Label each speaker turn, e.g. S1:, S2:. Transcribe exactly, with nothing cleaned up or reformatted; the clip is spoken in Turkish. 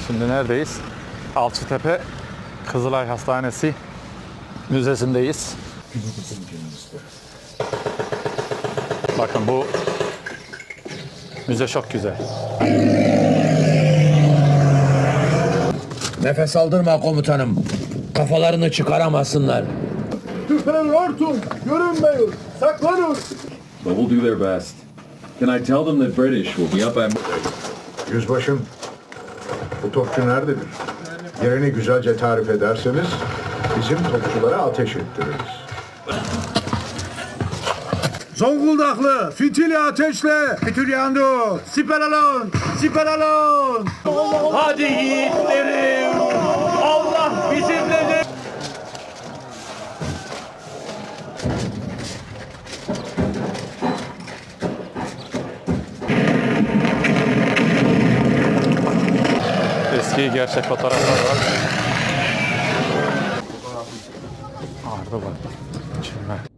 S1: Şimdi neredeyiz? Alçıtepe Kızılay Hastanesi Müzesi'ndeyiz. Bakın bu müze çok güzel.
S2: Nefes aldırma komutanım. Kafalarını çıkaramasınlar.
S3: Şüphen hortum, görünmeyin, saklanın.
S4: But we'll do their best. Can I tell them that British will be up at...
S5: Yüzbaşım, bu topçu nerededir? Yerini güzelce tarif ederseniz bizim topçulara ateş ettiririz.
S3: Zonguldaklı, fitili ateşle. Fitil yandı. Siper alın, siper alın. Hadi yiğitlerim. Allah bizimledir.
S1: Eski gerçek fotoğraflar var. Arda var. Çinme.